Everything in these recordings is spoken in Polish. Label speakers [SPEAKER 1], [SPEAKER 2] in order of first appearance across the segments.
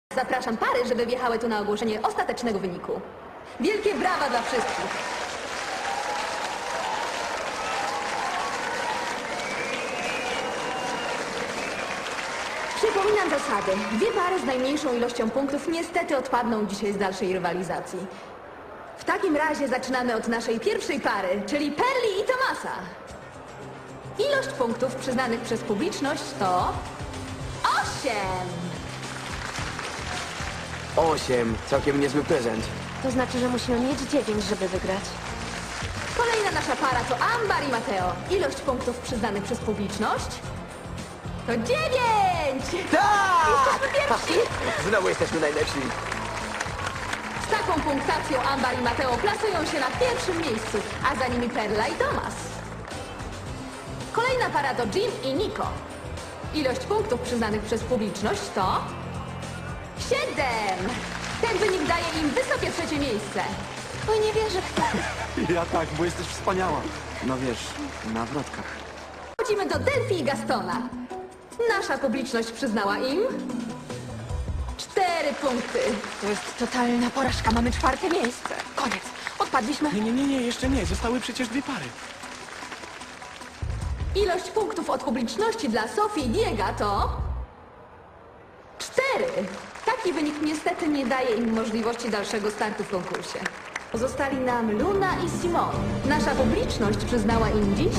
[SPEAKER 1] Zapraszam pary, żeby wjechały tu na ogłoszenie ostatecznego wyniku. Wielkie brawa dla wszystkich! Przypominam zasady. Dwie pary z najmniejszą ilością punktów niestety odpadną dzisiaj z dalszej rywalizacji. W takim razie zaczynamy od naszej pierwszej pary, czyli Perli i Tomasa. Ilość punktów przyznanych przez publiczność to 8!
[SPEAKER 2] 8. Całkiem niezły prezent.
[SPEAKER 3] To znaczy, że musimy mieć 9, żeby wygrać.
[SPEAKER 1] Kolejna nasza para to Ambar i Mateo. Ilość punktów przyznanych przez publiczność to 9!
[SPEAKER 2] Tak!
[SPEAKER 1] Jesteśmy pierwsi!
[SPEAKER 2] Znowu jesteśmy najlepsi.
[SPEAKER 1] Z taką punktacją Ambar i Mateo plasują się na pierwszym miejscu, a za nimi Perla i Tomas. Kolejna para to Jim i Nico. Ilość punktów przyznanych przez publiczność to 7! Ten wynik daje im wysokie trzecie miejsce.
[SPEAKER 3] Oj, nie wierzę w to.
[SPEAKER 4] Ja tak, bo jesteś wspaniała. No wiesz, na wrotkach.
[SPEAKER 1] Chodzimy do Delphi i Gastona. Nasza publiczność przyznała im 4 punkty.
[SPEAKER 3] To jest totalna porażka. Mamy 4. miejsce. Koniec. Odpadliśmy.
[SPEAKER 4] Nie, jeszcze nie. Zostały przecież 2 pary.
[SPEAKER 1] Ilość punktów od publiczności dla Sofii i Diego to 4. Taki wynik niestety nie daje im możliwości dalszego startu w konkursie. Pozostali nam Luna i Simon. Nasza publiczność przyznała im dziś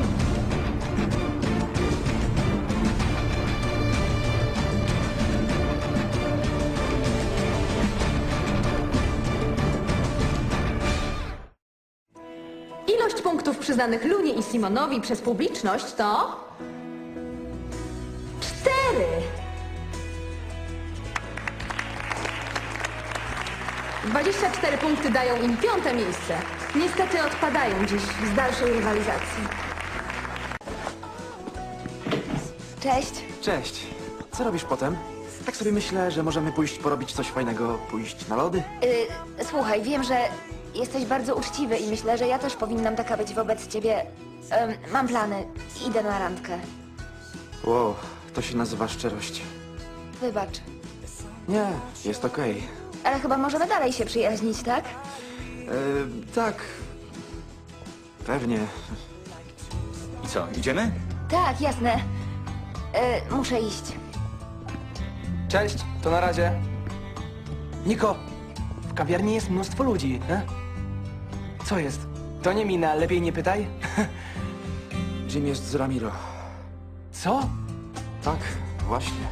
[SPEAKER 1] ilość punktów przyznanych Lunie i Simonowi przez publiczność to 4. ...24 punkty dają im 5. miejsce. Niestety odpadają dziś z dalszej rywalizacji.
[SPEAKER 3] Cześć.
[SPEAKER 4] Cześć. Co robisz potem? Tak sobie myślę, że możemy pójść porobić coś fajnego, pójść na lody.
[SPEAKER 3] Słuchaj, wiem, że jesteś bardzo uczciwy i myślę, że ja też powinnam taka być wobec ciebie. Mam plany. Idę na randkę.
[SPEAKER 4] Wow, to się nazywa szczerość.
[SPEAKER 3] Wybacz.
[SPEAKER 4] Nie, jest okej.
[SPEAKER 3] Ale chyba możemy dalej się przyjaźnić, tak?
[SPEAKER 4] Tak. Pewnie.
[SPEAKER 5] I co, idziemy?
[SPEAKER 3] Tak, jasne. Muszę iść.
[SPEAKER 6] Cześć, to na razie. Niko, w kawiarni jest mnóstwo ludzi, Co jest? To nie mina, lepiej nie pytaj.
[SPEAKER 4] Jim jest z Ramiro.
[SPEAKER 6] Co?
[SPEAKER 4] Tak, właśnie.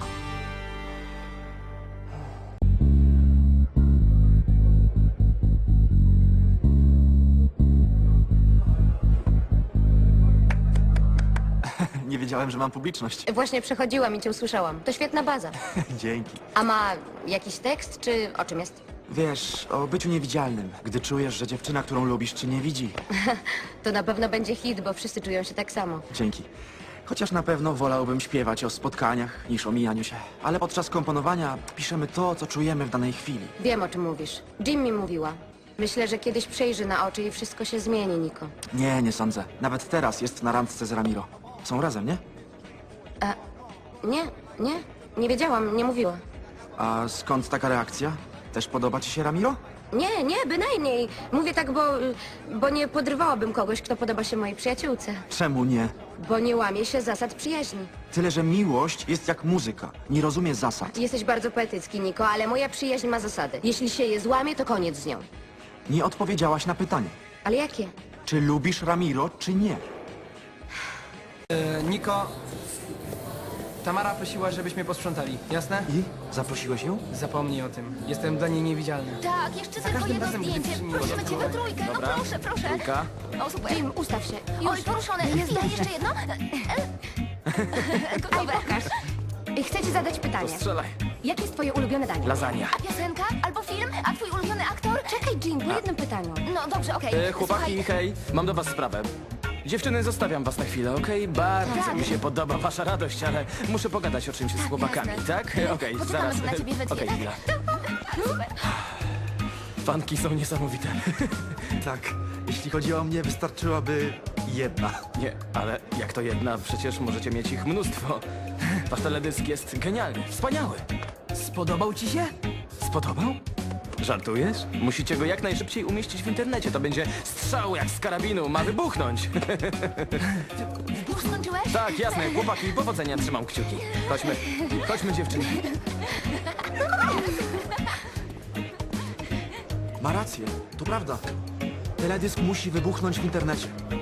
[SPEAKER 4] Nie wiedziałem, że mam publiczność.
[SPEAKER 3] Właśnie przechodziłam i cię usłyszałam. To świetna baza.
[SPEAKER 4] Dzięki.
[SPEAKER 3] A ma jakiś tekst, czy o czym jest?
[SPEAKER 4] Wiesz, o byciu niewidzialnym, gdy czujesz, że dziewczyna, którą lubisz, cię nie widzi.
[SPEAKER 3] To na pewno będzie hit, bo wszyscy czują się tak samo.
[SPEAKER 4] Dzięki. Chociaż na pewno wolałbym śpiewać o spotkaniach niż o mijaniu się. Ale podczas komponowania piszemy to, co czujemy w danej chwili.
[SPEAKER 3] Wiem, o czym mówisz. Jim mi mówiła. Myślę, że kiedyś przejrzy na oczy i wszystko się zmieni, Niko.
[SPEAKER 4] Nie sądzę. Nawet teraz jest na randce z Ramiro. Są razem, nie?
[SPEAKER 3] Nie wiedziałam, nie mówiła.
[SPEAKER 4] A skąd taka reakcja? Też podoba ci się Ramiro?
[SPEAKER 3] Nie, bynajmniej. Mówię tak, bo nie podrywałabym kogoś, kto podoba się mojej przyjaciółce.
[SPEAKER 4] Czemu nie?
[SPEAKER 3] Bo nie łamie się zasad przyjaźni.
[SPEAKER 4] Tyle, że miłość jest jak muzyka. Nie rozumie zasad.
[SPEAKER 3] Jesteś bardzo poetycki, Niko, ale moja przyjaźń ma zasady. Jeśli się je złamie, to koniec z nią.
[SPEAKER 4] Nie odpowiedziałaś na pytanie.
[SPEAKER 3] Ale jakie?
[SPEAKER 4] Czy lubisz Ramiro, czy nie?
[SPEAKER 6] Niko, Tamara prosiła, żebyśmy posprzątali, jasne?
[SPEAKER 4] I? Zaprosiłeś ją?
[SPEAKER 6] Zapomnij o tym. Jestem dla niej niewidzialny.
[SPEAKER 7] Tak, jeszcze tylko
[SPEAKER 6] każdym
[SPEAKER 7] jedno
[SPEAKER 6] razem, gdy
[SPEAKER 7] zdjęcie.
[SPEAKER 6] pisze mi
[SPEAKER 7] Prosimy
[SPEAKER 6] wodę,
[SPEAKER 7] cię we trójkę. No
[SPEAKER 6] Dobra.
[SPEAKER 7] proszę.
[SPEAKER 6] Trójka.
[SPEAKER 7] O, super.
[SPEAKER 3] Jim, ustaw się.
[SPEAKER 7] Oj, poruszone. I jeszcze jedno? Gotowe.
[SPEAKER 3] Chcę ci zadać pytanie.
[SPEAKER 6] Strzelaj.
[SPEAKER 3] Jakie jest twoje ulubione danie?
[SPEAKER 6] Lasagna.
[SPEAKER 7] A piosenka? Albo film? A twój ulubiony aktor?
[SPEAKER 3] Czekaj, Jim, po jednym pytaniu.
[SPEAKER 7] No dobrze, okej.
[SPEAKER 5] Chłopaki,
[SPEAKER 7] Słuchaj,
[SPEAKER 5] hej, mam do was sprawę. Dziewczyny, zostawiam was na chwilę, okej? Bardzo
[SPEAKER 7] Tak.
[SPEAKER 5] mi się podoba wasza radość, ale muszę pogadać o czymś z chłopakami,
[SPEAKER 7] jasne.
[SPEAKER 5] tak? Okej,
[SPEAKER 7] Poczekamy
[SPEAKER 5] zaraz.
[SPEAKER 7] na ciebie we dwie,
[SPEAKER 5] Okej,
[SPEAKER 7] tak?
[SPEAKER 5] chwila.
[SPEAKER 7] Super.
[SPEAKER 5] Fanki są niesamowite.
[SPEAKER 4] Tak. Jeśli chodzi o mnie, wystarczyłaby jedna.
[SPEAKER 5] Nie, ale jak to jedna? Przecież możecie mieć ich mnóstwo. Wasz teledysk jest genialny, wspaniały. Spodobał ci się? Spodobał? Żartujesz? Musicie go jak najszybciej umieścić w internecie. To będzie strzał jak z karabinu. Ma wybuchnąć.
[SPEAKER 7] Już skończyłeś?
[SPEAKER 5] Tak, jasne. Chłopaki, powodzenia. Trzymam kciuki. Chodźmy. Chodźmy, dziewczyny.
[SPEAKER 4] Ma rację, to prawda. Teledysk musi wybuchnąć w internecie.